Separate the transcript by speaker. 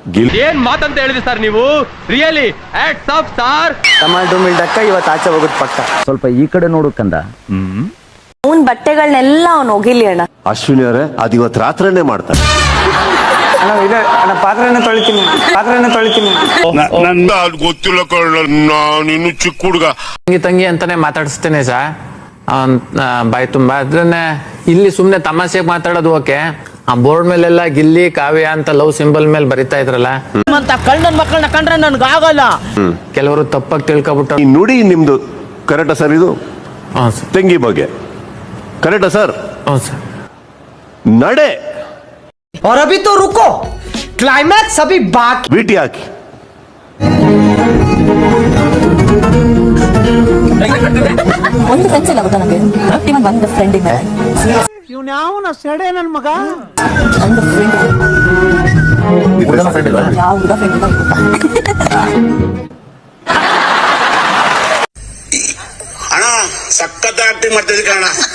Speaker 1: ಏನ್ ಮಾತಂತ ಹೇಳಿದ್ರಿ ಸರ್ ನೀವು, really hats off sir.
Speaker 2: Tomato ಮಿಲ್ಡಕ್ಕ ಇವತ್ತು ಆಚೆ ಹೋಗೋದು ಪಕ್ಕ.
Speaker 3: ಸ್ವಲ್ಪ ಈ ಕಡೆ ನೋಡು ಕಂದ.
Speaker 4: ಅವನ್ ಬಟ್ಟೆಗಳನ್ನೆಲ್ಲ ಅವ್ನು ಒಗಿಲಿ ಅಣ್ಣ.
Speaker 5: ಅಶ್ವಿನಿ ಅವರೇ ಅದು ಇವತ್ತು ರಾತ್ರಿನೇ ಮಾಡ್ತಾರೆ.
Speaker 2: ಅಣ್ಣ ಪಾತ್ರೆನ ತೊಳಿತೀನಿ.
Speaker 5: ಗೊತ್ತಿಲ್ಲ ನೀನು ಚಿಕ್ಕ ಹುಡುಗ.
Speaker 6: ತಂಗಿ ಅಂತಾನೆ ಮಾತಾಡಿಸ್ತೇನೆ ಸಾ ಬಾಯ್ ತುಂಬಾ. ಅದನ್ನೇ ಇಲ್ಲಿ ಸುಮ್ನೆ ತಮಾಷೆಗೆ ಮಾತಾಡೋದು ಓಕೆ. ಆ ಬೋರ್ಡ್ ಮೇಲೆಲ್ಲ ಗಿಲ್ಲಿ ಕಾವ್ಯ ಅಂತ ಲವ್ ಸಿಂಬಲ್ ಮೇಲೆ ಬರಿತಾ ಇದ್ರಲ್ಲ,
Speaker 3: ಕಳ್ಳನ್ ಮಕ್ಕಳನ್ನ ಕಂಡ್ರೆ ನನ್ಗೆ ಆಗಲ್ಲ.
Speaker 6: ಕೆಲವರು ತಪ್ಪಾಗಿ ತಿಳ್ಕೊಬಿಟ್ಟು.
Speaker 5: ಈ ನುಡಿ ನಿಮ್ದು ಕರೆಕ್ಟಾ ಸರ್? ಇದು ತಂಗಿ ಬಗ್ಗೆ ಕರೆಕ್ಟಾ ಸರ್?
Speaker 6: ಹ್ಞೂ ಸರ್.
Speaker 5: ನಡೆ
Speaker 3: और अभी तो रुको, क्लाइमैक्स अभी बाकी.
Speaker 5: ಬಿಟಿ ಹಾಕಿ.
Speaker 4: ಒಂದು ಫ್ರೆಂಡ್ಸ್ ಇಲ್ಲ ಗೊತ್ತಾ ನನಗೆ, ಇವನ್ ಒಂದು ಫ್ರೆಂಡ್ ಇದೆ.
Speaker 3: ಇವ್ನು ಯಾವನ ಸೆಡೆ ನನ್ ಮಗ.
Speaker 4: ಒಂದು ಫ್ರೆಂಡ್ ಯಾವ ಹುಡುಗ ಫ್ರೆಂಡ್ ಇಲ್ಲ.
Speaker 7: ಅಣ್ಣ ಸಖತ್ ಆಕ್ಟಿಂಗ್ ಮಾಡ್ತಿದ್ದೆ ಅಣ್ಣ.